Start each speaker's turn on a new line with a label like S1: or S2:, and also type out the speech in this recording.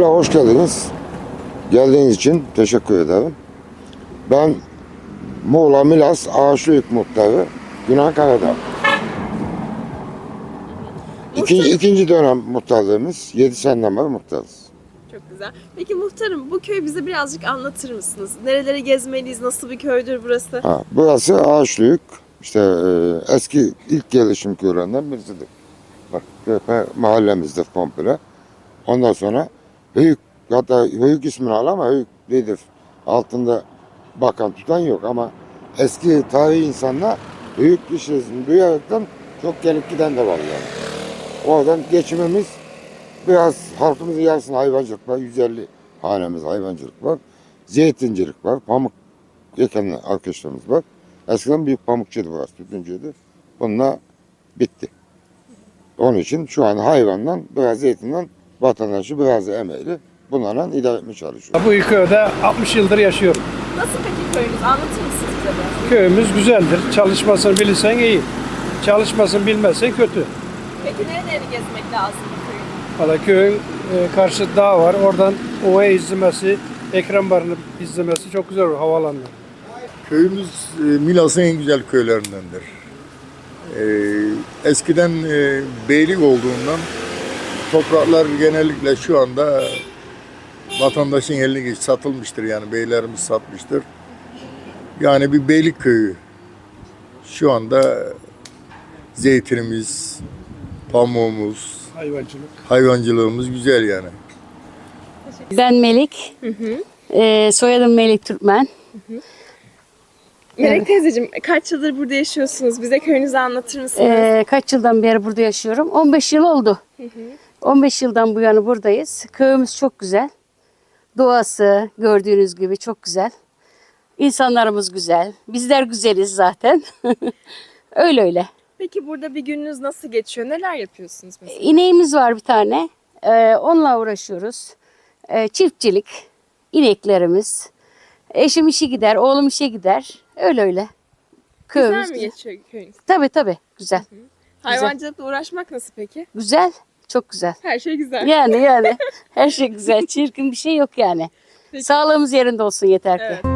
S1: Öncelikle hoş geldiniz. Geldiğiniz için teşekkür ederim. Ben Muğla Milas Ağaçlıyık Muhtarı Günan Karadağ. İkinci dönem muhtarlığımız. 7 seneden beri muhtarız.
S2: Çok güzel. Peki muhtarım, bu köyü bize birazcık anlatır mısınız? Nereleri gezmeliyiz? Nasıl bir köydür burası?
S1: Burası Ağaçlıyık. İşte eski ilk yerleşim köylerinden birisidir. Bak, mahallemizdir komple. Ondan sonra Höyük, hatta Höyük ismini al ama Höyük değildir. Altında bakan tutan yok ama eski tarihi insanlar Höyük işletini duyaraktan çok gelip giden de var yani. Oradan geçimimiz biraz halkımızın yarısında hayvancılık var. 150 hanemiz hayvancılık var. Zeytincilik var. Pamuk eken arkadaşlarımız var. Eskiden büyük pamukçuydu burası, tütüncüydü. Bununla bitti. Onun için şu an hayvandan, biraz zeytinden vatandaşı biraz da emeğiyle bunlarla idare etmeye çalışıyor.
S3: Bu köyde 60 yıldır yaşıyorum.
S2: Nasıl peki köyünüz? Anlatır mısınız bize biraz?
S3: Köyümüz güzeldir. Çalışmasını bilirsen iyi. Çalışmasını bilmezsen kötü.
S2: Peki nereleri gezmek lazım bu köyün?
S3: Valla köyün karşı dağ var. Oradan ovayı izlemesi, Ekrem Barı'nı izlemesi çok güzel olur havaalanında.
S4: Köyümüz Milas'ın en güzel köylerindendir. Eskiden beylik olduğundan topraklar genellikle şu anda vatandaşın eline geç satılmıştır, yani beylerimiz satmıştır. Yani bir beylik köyü. Şu anda zeytinimiz, pamuğumuz,
S3: Hayvancılık.
S4: hayvancılığımız güzel yani.
S5: Ben Melik. Soyadım Melik Türkmen.
S2: Melek teyzeciğim, kaç yıldır burada yaşıyorsunuz? Bize köyünüzü anlatır mısınız?
S5: Kaç yıldan beri burada yaşıyorum? 15 yıl oldu. 15 yıldan bu yana buradayız. Köyümüz çok güzel. Doğası gördüğünüz gibi çok güzel. İnsanlarımız güzel. Bizler güzeliz zaten. öyle.
S2: Peki burada bir gününüz nasıl geçiyor? Neler yapıyorsunuz mesela?
S5: İneğimiz var bir tane. Onunla uğraşıyoruz. Çiftçilik, ineklerimiz. Eşim işe gider, oğlum işe gider. Öyle. Köyümüz
S2: Güzel mi geçiyor köyünüz?
S5: Tabii güzel.
S2: Hayvancılıkla uğraşmak nasıl peki?
S5: Güzel, çok güzel.
S2: Her şey güzel.
S5: Yani her şey güzel. Çirkin bir şey yok yani.
S2: Peki.
S5: Sağlığımız yerinde olsun yeter ki.
S2: Evet.